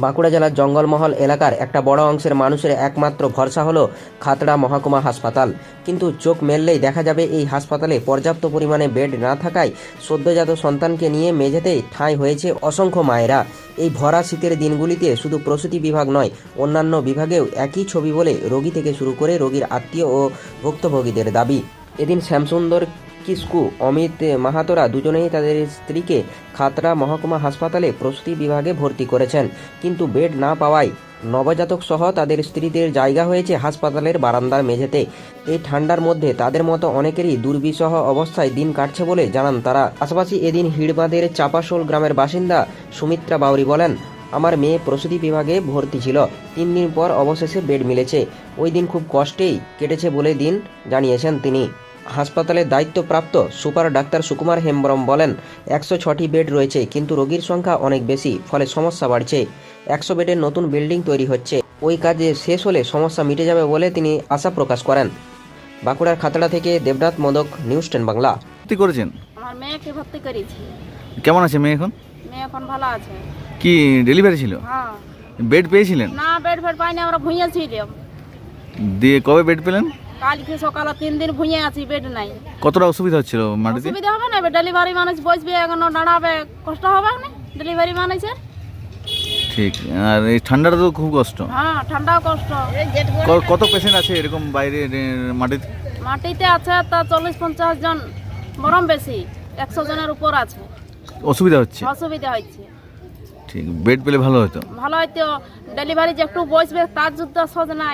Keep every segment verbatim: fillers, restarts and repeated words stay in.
বাঁকুড়া জেলার জঙ্গলমহল এলাকার একটা বড় অংশের মানুষের একমাত্র ভরসা হলো খাতড়া মহকুমা হাসপাতাল। কিন্তু চোখ মেললেই দেখা যাবে এই হাসপাতালে পর্যাপ্ত পরিমাণে বেড না থাকায় সদ্যজাত সন্তানকে নিয়ে মেঝেতেই ঠাঁই হয়েছে অসংখ্য মায়েরা। এই ভরা শীতের দিনগুলিতে শুধু প্রসূতি বিভাগ নয়, অন্যান্য বিভাগেও একই ছবি বলে রোগী থেকে শুরু করে রোগীর আত্মীয় ও ভুক্তভোগীদের দাবি। এদিন শ্যামসুন্দর কিস্কু, অমিত মাহাতোরা দুজনেই তাদের স্ত্রীকে খাতড়া মহকুমা হাসপাতালে প্রসূতি বিভাগে ভর্তি করেছেন, কিন্তু বেড না পাওয়ায় নবজাতক সহ তাদের স্ত্রীদের জায়গা হয়েছে হাসপাতালের বারান্দার মেঝেতে। এই ঠান্ডার মধ্যে তাদের মতো অনেকেরই দুর্বিষহ অবস্থায় দিন কাটছে বলে জানান তারা। পাশাপাশি এদিন হিড়বাঁধের চাপাশোল গ্রামের বাসিন্দা সুমিত্রা বাউরি বলেন, আমার মেয়ে প্রসূতি বিভাগে ভর্তি ছিল, তিন দিন পর অবশেষে বেড মিলেছে। ওই দিন খুব কষ্টেই কেটেছে বলে দিন জানিয়েছেন তিনি। হাসপাতালের দায়িত্বপ্রাপ্ত সুপার ডাক্তার সুকুমার হেমব্রম বলেন, একশো ছটি বেড রয়েছে, কিন্তু রোগীর সংখ্যা অনেক বেশি, ফলে সমস্যা বাড়ছে। একশো বেডের নতুন বিল্ডিং তৈরি হচ্ছে, ওই কাজে শেষ হলে সমস্যা মিটে যাবে বলে তিনি আশা প্রকাশ করেন। বাঁকুড়ার খাতড়া থেকে দেবনাথ মোদক, নিউজ টেন বাংলা। ভর্তি করেছেন? আমার মেয়েকে ভর্তি করেছি। কেমন আছে মেয়ে এখন? মেয়ে এখন ভালো আছে। কি ডেলিভারি ছিল? হ্যাঁ। বেড পেয়েছিলেন? না, বেড ফেড পাইনি, আমরা ভুঁইয়ে ছিলাম। দিয়ে কবে বেড পেলেন? কালকে সকালে তিন দিন ভুঁইয়ে আছি, বেড নাই। কতটা অসুবিধা হচ্ছিল মাটিতে? অসুবিধা হবে না, ডেলিভারি মানুষ বসবে, এখন দাঁড়াবে, কষ্ট হবে না ডেলিভারি মানুষের। ঠিক। আর এই ঠান্ডাটা তো খুব কষ্ট। হ্যাঁ, ঠান্ডাও কষ্ট। ক- কত পেশেন্ট আছে এরকম বাইরে এ, মাটিতে? মাটিতে আছে তা চল্লিশ পঞ্চাশ জন, বরং বেশি, একশো জনের উপর আছে। অসুবিধা হচ্ছে? অসুবিধা হচ্ছে। ঠিক, বেড পেলে ভালো হতো। ভালো হয়তো, ডেলিভারি যে একটু বসবে তার যুদ্ধ সহজ নাই।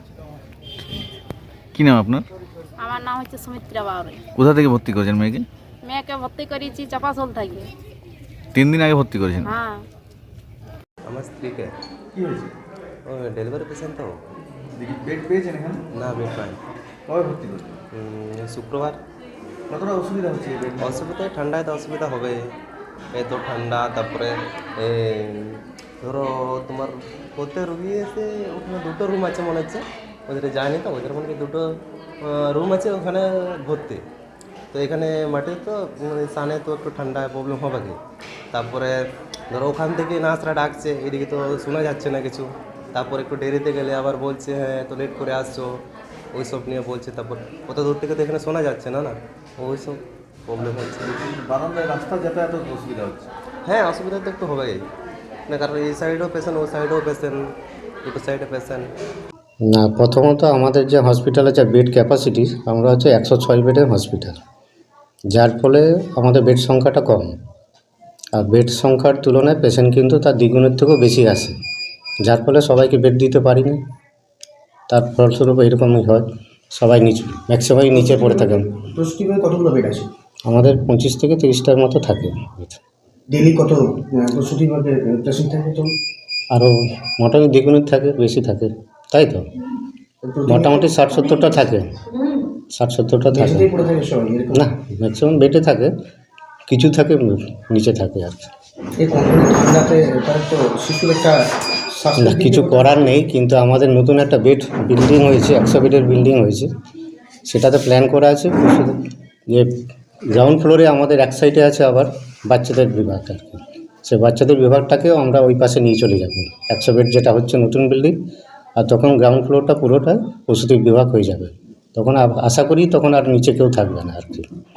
কি নাম আপনার? আমার নাম হচ্ছে সুমিত্রা বাউরি। কোথা থেকে ভর্তি করেছেন মেয়েকে? মেয়েকে ভর্তি করেছি চাপাশোল থেকে। তিন দিন আগে ভর্তি করেছেন? হ্যাঁ। আমার স্ত্রীকে কি হয়েছে? ও ডেলিভারি পেশেন্ট তো। বেড পেয়েছেন এখানে? না, বেড পাই। কবে ভর্তি করেছেন? উম, শুক্রবার। কতটা অসুবিধা হচ্ছে বেড? অসুবিধায় ঠান্ডায় তো অসুবিধা হবে, এত ঠান্ডা। তারপরে এ, ধরো তোমার প্রত্যেক রুগী এসে ওখানে দুটো রুম আছে মনে হচ্ছে, ওদের যায়নি তো, ওদের মনে হয় দুটো রুম আছে ওখানে ভর্তি। তো এখানে মাটিতে তো মানে সানে তো একটু ঠান্ডায় প্রবলেম হবে কি। তারপরে ধরো ওখান থেকে নার্সরা ডাকছে, এদিকে তো শোনা যাচ্ছে না কিছু। তারপর একটু দেরিতে গেলে আবার বলছে হ্যাঁ এত লেট করে আসছো, ওই সব নিয়ে বলছে। তারপর কত দূর থেকে তো এখানে শোনা যাচ্ছে না না, ওই সব প্রবলেম হচ্ছে। বারান্দায় রাস্তা যাতায়াত অসুবিধা হচ্ছে? হ্যাঁ, অসুবিধা তো একটু হবেই না, কারণ এই সাইডেও পেশেন্ট, ওই সাইডেও পেশেন্ট, দুটো সাইডে পেশেন্ট। না, প্রথমত আমাদের যে হসপিটালে যে বেড ক্যাপাসিটি, আমরা হচ্ছে একশো ছয় বেডের হসপিটাল, যার ফলে আমাদের বেড সংখ্যাটা কম। আর বেড সংখ্যার তুলনায় পেশেন্ট কিন্তু তার দ্বিগুণের থেকেও বেশি আসে, যার ফলে সবাইকে বেড দিতে পারি না। তার ফলস্বরূপ এরকমই হয়, সবাই নিচে, ম্যাক্সিমামই নিচে পড়ে থাকেন। প্রসূতি বিভাগে কতগুলো বেড আছে? আমাদের পঁচিশ থেকে তিরিশটার মতো থাকে। ডেলি কত প্রসূতি বিভাগে পেশেন্ট থাকে? তো আরও মোটামুটি দ্বিগুণের থাকে, বেশি থাকে, তাই তো মোটামুটি ষাট সত্তরটা থাকে, ষাট সত্তরটা থাকে। মেঝেতেই পড়ে থাকে সবাই এরকম? না, ম্যাক্সিমাম বেডে থাকে, কিছু থাকে নিচে থাকে আর কি। এই কনকনে ঠান্ডাতে তার তো শিশুর একটা না, শ্বাসকষ্ট কিছু করার নেই, কিন্তু আমাদের নতুন একটা বেড বিল্ডিং হয়েছে, একশো বেডের বিল্ডিং হয়েছে, সেটাতে প্ল্যান করা আছে যে গ্রাউন্ড ফ্লোরে আমাদের এক সাইডে আছে আবার বাচ্চাদের বিভাগ আর কি। সে বাচ্চাদের বিভাগটাকেও আমরা ওই পাশে নিয়ে চলে যাব, একশো বেড যেটা হচ্ছে নতুন বিল্ডিং। আর তখন গ্রাউন্ড ফ্লোরটা পুরোটা প্রসূতি বিভাগ হয়ে যাবে, তখন আশা করি তখন আর নিচে কেউ থাকবে না আর কি।